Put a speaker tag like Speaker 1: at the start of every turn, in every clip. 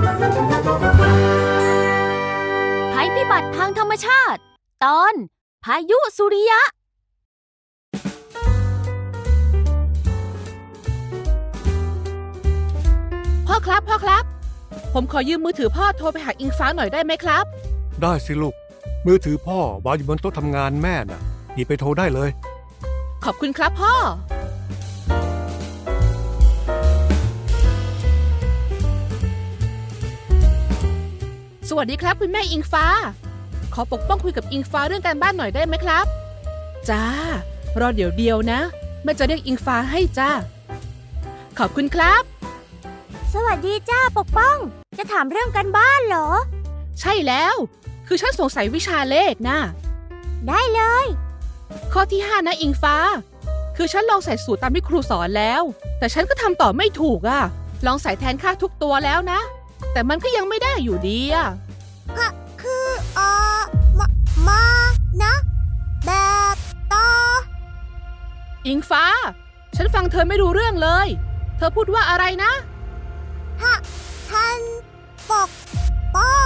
Speaker 1: ภัยพิบัติทางธรรมชาติตอนพายุสุริยะ
Speaker 2: พ่อครับผมขอยืมมือถือพ่อโทรไปหาอิงฟ้าหน่อยได้ไหมครับ
Speaker 3: ได้สิลูกมือถือพ่อวางอยู่บนโต๊ะทำงานแม่น่ะหยิบไปโทรได้เลย
Speaker 2: ขอบคุณครับพ่อสวัสดีครับคุณแม่อิงฟ้าขอปกป้องคุยกับอิงฟ้าเรื่องการบ้านหน่อยได้ไหมครับจ้ารอเดี๋ยวนะแม่จะเรียกอิงฟ้าให้จ้าขอบคุณครับ
Speaker 1: สวัสดีจ้าปกป้องจะถามเรื่องการบ้านเหรอ
Speaker 2: ใช่แล้วคือฉันสงสัยวิชาเลขนะ
Speaker 1: ได้เลย
Speaker 2: ข้อที่5นะอิงฟ้าคือฉันลองใส่สูตรตามที่ครูสอนแล้วแต่ฉันก็ทำต่อไม่ถูกอะลองใส่แทนค่าทุกตัวแล้วนะแต่มันก็ยังไม่ได้อยู่ดีอะ
Speaker 1: คือมานะแบบต่อ
Speaker 2: อิงฟ้าฉันฟังเธอไม่รู้เรื่องเลยเธอพูดว่าอะไรนะ
Speaker 1: ท่านปกป้อ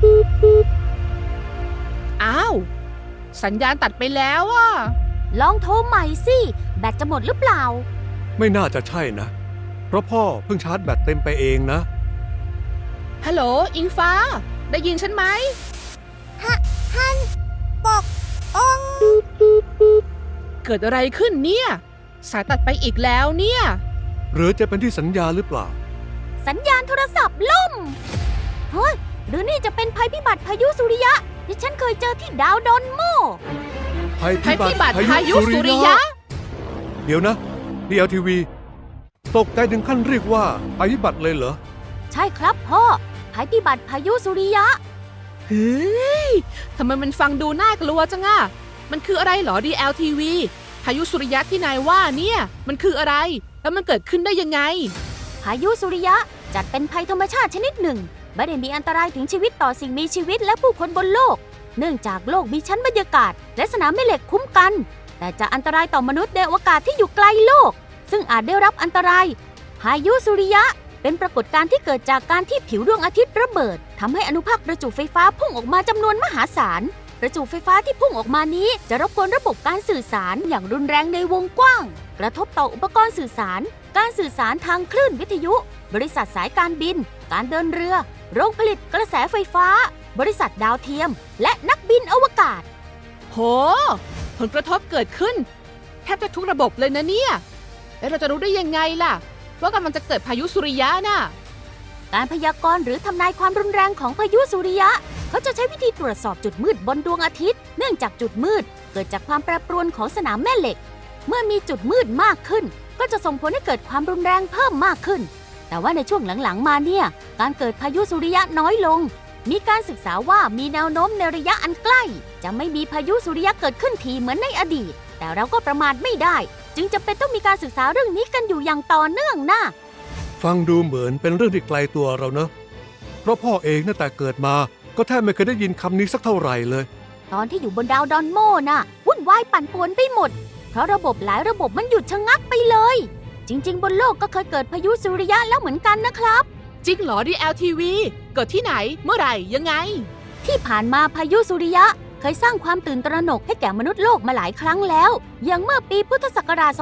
Speaker 2: อ้าวสัญญาณตัดไปแล้วอ่ะ
Speaker 1: ลองโทรใหม่สิแบตจะหมดหรือเปล่า
Speaker 3: ไม่น่าจะใช่นะเพราะพ่อเพิ่งชาร์จแบตเต็มไปเองนะ
Speaker 2: ฮัลโหลอิงฟ้าได้ยินฉันไหม
Speaker 1: ท่านปกป้อง
Speaker 2: เกิดอะไรขึ้นเนี่ยสายตัดไปอีกแล้วเนี่ย
Speaker 3: หรือจะเป็นที่สัญญาณหรือเปล่า
Speaker 1: สัญญาณโทรศัพท์ล่มเฮ้ยหรือนี่จะเป็นภัยพิบัติพายุสุริยะที่ฉันเคยเจอที่ดาวดอนโม
Speaker 3: ภัยพิบัติพายุสุริยะเดี๋ยวนะ DLTV ตกใจถึงขั้นเรียกว่าภัยพิบัติเลยเหรอ
Speaker 1: ใช่ครับพ่อภัยพิบัติพายุสุริยะ
Speaker 2: เฮ้ยทำไมมันฟังดูน่ากลัวจังอะมันคืออะไรเหรอ DLTV พายุสุริยะที่นายว่าเนี่ยมันคืออะไรแล้วมันเกิดขึ้นได้ยังไง
Speaker 1: พายุสุริยะจัดเป็นภัยธรรมชาติชนิดหนึ่งไม่ได้มีอันตรายถึงชีวิตต่อสิ่งมีชีวิตและผู้คนบนโลกเนื่องจากโลกมีชั้นบรรยากาศและสนามแม่เหล็กคุ้มกันแต่จะอันตรายต่อมนุษย์ในอวกาศที่อยู่ไกลโลกซึ่งอาจได้รับอันตรายพายุสุริยะเป็นปรากฏการณ์ที่เกิดจากการที่ผิวดวงอาทิตย์ระเบิดทำให้อนุภาคประจุไฟฟ้าพุ่งออกมาจำนวนมหาศาลประจุไฟฟ้าที่พุ่งออกมานี้จะรบกวนระบบการสื่อสารอย่างรุนแรงในวงกว้างกระทบต่ออุปกรณ์สื่อสารการสื่อสารทางคลื่นวิทยุบริษัทสายการบินการเดินเรือโรงผลิตกระแสไฟฟ้าบริษัทดาวเทียมและนักบินอวกาศ
Speaker 2: โหผลกระทบเกิดขึ้นแทบจะทุกระบบเลยนะเนี่ยแล้วเราจะรู้ได้ยังไงล่ะว่ากำลังจะเกิดพายุสุริยะน่ะ
Speaker 1: การพยากรณ์หรือทำนายความรุนแรงของพายุสุริยะเขาจะใช้วิธีตรวจสอบจุดมืดบนดวงอาทิตย์เนื่องจากจุดมืดเกิดจากความแปรปรวนของสนามแม่เหล็กเมื่อมีจุดมืดมากขึ้นก็จะส่งผลให้เกิดความรุนแรงเพิ่มมากขึ้นแต่ว่าในช่วงหลังๆมาเนี่ยการเกิดพายุสุริยะน้อยลงมีการศึกษาว่ามีแนวโน้มในระยะอันใกล้จะไม่มีพายุสุริยะเกิดขึ้นทีเหมือนในอดีตแต่เราก็ประมาทไม่ได้จึงจำเป็นต้องมีการศึกษาเรื่องนี้กันอยู่อย่างต่อเนื่องนะ
Speaker 3: ฟังดูเหมือนเป็นเรื่องที่ไกลตัวเราเนอะเพราะพ่อเองตั้งแต่เกิดมาก็แทบไม่เคยได้ยินคำนี้สักเท่าไหร่เลย
Speaker 1: ตอนที่อยู่บนดาวดอนโมน่ะวุ่นวายปั่นป่วนไปหมดเพราะระบบหลายระบบมันหยุดชะงักไปเลยจริงๆบนโลกก็เคยเกิดพายุสุริยะแล้วเหมือนกันนะครับ
Speaker 2: จริงเหรอ DLTV เกิดที่ไหนเมื่อไหร่ยังไง
Speaker 1: ที่ผ่านมาพายุสุริยะเคยสร้างความตื่นตระหนกให้แก่มนุษย์โลกมาหลายครั้งแล้วอย่างเมื่อปีพุทธศักราช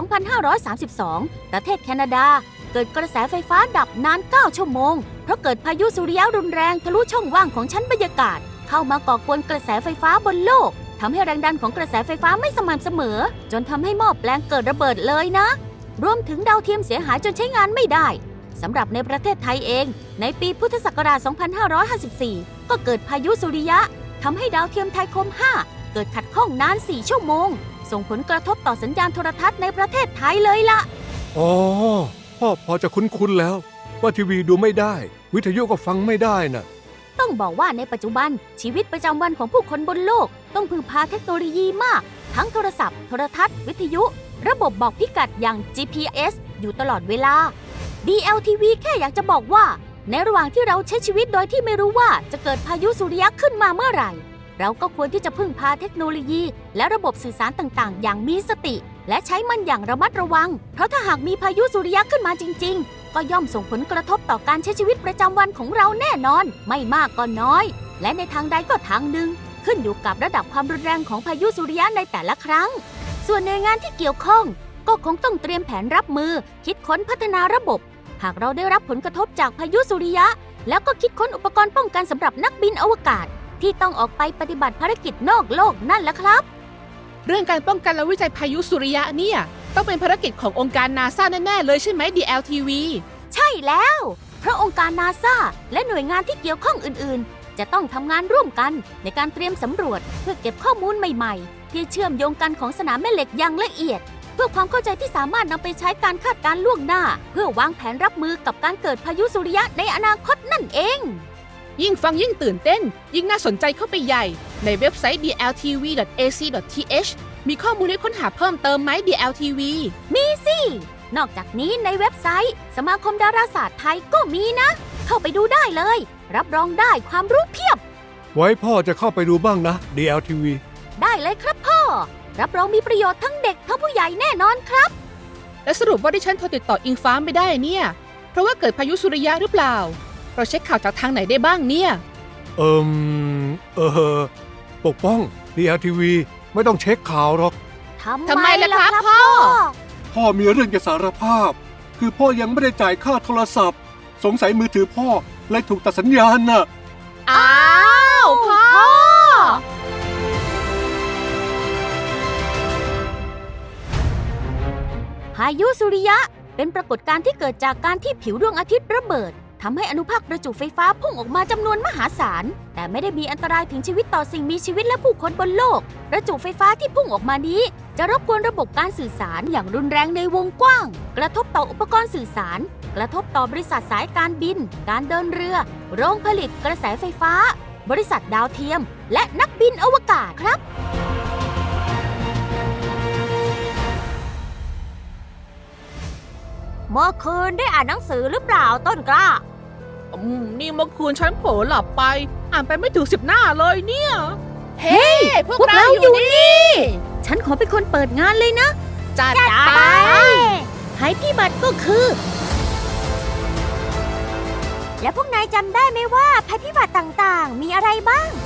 Speaker 1: 2532 ประเทศแคนาดาเกิดกระแสไฟฟ้าดับนาน 9 ชั่วโมงเพราะเกิดพายุสุริยะรุนแรงทะลุช่องว่างของชั้นบรรยากาศเข้ามาก่อกวนกระแสไฟฟ้าบนโลกทำให้แรงดันของกระแสไฟฟ้าไม่สม่ำเสมอจนทำให้หม้อแปลงเกิดระเบิดเลยนะรวมถึงดาวเทียมเสียหายจนใช้งานไม่ได้สำหรับในประเทศไทยเองในปีพุทธศักราช 2554 ก็เกิดพายุสุริยะทำให้ดาวเทียมไทยคม 5 เกิดขัดข้องนาน 4 ชั่วโมงส่งผลกระทบต่อสัญญาณโทรทัศน์ในประเทศไทยเลยล่ะ
Speaker 3: อ๋อพ่อพอจะคุ้นๆแล้วว่าทีวีดูไม่ได้วิทยุก็ฟังไม่ได้น่ะ
Speaker 1: ต้องบอกว่าในปัจจุบันชีวิตประจำวันของผู้คนบนโลกต้องพึ่งพาเทคโนโลยีมากทั้งโทรศัพท์โทรทัศน์วิทยุระบบบอกพิกัดอย่าง GPS อยู่ตลอดเวลา DLTV แค่อยากจะบอกว่าในระหว่างที่เราใช้ชีวิตโดยที่ไม่รู้ว่าจะเกิดพายุสุริยะขึ้นมาเมื่อไหร่เราก็ควรที่จะพึ่งพาเทคโนโลยีและระบบสื่อสารต่างๆอย่างมีสติและใช้มันอย่างระมัดระวังเพราะถ้าหากมีพายุสุริยะขึ้นมาจริงๆก็ย่อมส่งผลกระทบต่อการใช้ชีวิตประจำวันของเราแน่นอน ไม่มากก็น้อย และในทางใดก็ทางหนึ่ง ขึ้นอยู่กับระดับความรุนแรงของพายุสุริยะในแต่ละครั้ง ส่วนหน่วยงานที่เกี่ยวข้อง ก็คงต้องเตรียมแผนรับมือ คิดค้นพัฒนาระบบ หากเราได้รับผลกระทบจากพายุสุริยะ แล้วก็คิดค้นอุปกรณ์ป้องกันสำหรับนักบินอวกาศ ที่ต้องออกไปปฏิบัติภารกิจนอกโลกนั่นแหละครับ
Speaker 2: เรื่องการป้องกันและวิจัยพายุสุริยะเนี่ยต้องเป็นภารกิจขององค์การนาซาแน่ๆเลยใช่ไหม DLTV
Speaker 1: ใช่แล้ว เพราะองค์การนาซาและหน่วยงานที่เกี่ยวข้องอื่นๆ จะต้องทำงานร่วมกันในการเตรียมสำรวจเพื่อเก็บข้อมูลใหม่ๆ ที่เชื่อมโยงกันของสนามแม่เหล็กอย่างละเอียด เพื่อความเข้าใจที่สามารถนำไปใช้การคาดการณ์ล่วงหน้า เพื่อวางแผนรับมือกับการเกิดพายุสุริยะในอนาคตนั่นเอง
Speaker 2: ยิ่งฟังยิ่งตื่นเต้น ยิ่งน่าสนใจเข้าไปใหญ่ ในเว็บไซต์ dltv.ac.th มีข้อมูลให้ค้นหาเพิ่มเติมไหม DLTV
Speaker 1: นอกจากนี้ในเว็บไซต์ สมาคมดาราศาสตร์ไทยก็มีนะ เข้าไปดูได้เลย รับรองได้ความรู้เพียบ
Speaker 3: ไว้พ่อจะเข้าไปดูบ้างนะ DLTV
Speaker 1: ได้เลยครับพ่อ รับรองมีประโยชน์ทั้งเด็กทั้งผู้ใหญ่แน่นอนครับ
Speaker 2: และสรุปว่าที่ฉันโทรติดต่ออิงฟ้าไม่ได้เนี่ย เพราะว่าเกิดพายุสุริยะหรือเปล่า เราเช็คข่าวจากทางไหนได้บ้างเนี่ย
Speaker 3: ปกป้อง DLTV ไม่ต้องเช็คข่าวหรอก
Speaker 2: ทำไมล่ะครับพ่อ
Speaker 3: พ่อมีเรื่องจะสารภาพ คือพ่อยังไม่ได้จ่ายค่าโทรศัพท์ สงสัยมือถือพ่อเลยถูกตัดสัญญาณน่ะ
Speaker 2: อ้าวพ่อ
Speaker 1: พายุสุริยะเป็นปรากฏการณ์ที่เกิดจากการที่ผิวดวงอาทิตย์ระเบิดทำให้อนุภาคประจุไฟฟ้าพุ่งออกมาจำนวนมหาศาล แต่ไม่ได้มีอันตรายถึงชีวิตต่อสิ่งมีชีวิตและผู้คนบนโลก ประจุไฟฟ้าที่พุ่งออกมานี้ จะรบกวนระบบการสื่อสารอย่างรุนแรงในวงกว้าง กระทบต่ออุปกรณ์สื่อสาร กระทบต่อบริษัทสายการบิน การเดินเรือ โรงผลิตกระแสไฟฟ้า บริษัทดาวเทียม และนักบินอวกาศครับ เมื่อคืนได้อ่านหนังสือหรือเปล่าต้นกล้า
Speaker 2: นี่เมื่อคืนฉันเผลอหลับไป อ่านไปไม่ถึง10 หน้าเลยเนี่ย เฮ้ยพวกเราอยู่นี่
Speaker 1: ฉันขอเป็นคนเปิดงานเลยนะ
Speaker 2: จัดไป
Speaker 1: ภัยพิบัติก็คือ และพวกนายจำได้ไหมว่าภัยพิบัติต่างๆ มีอะไรบ้าง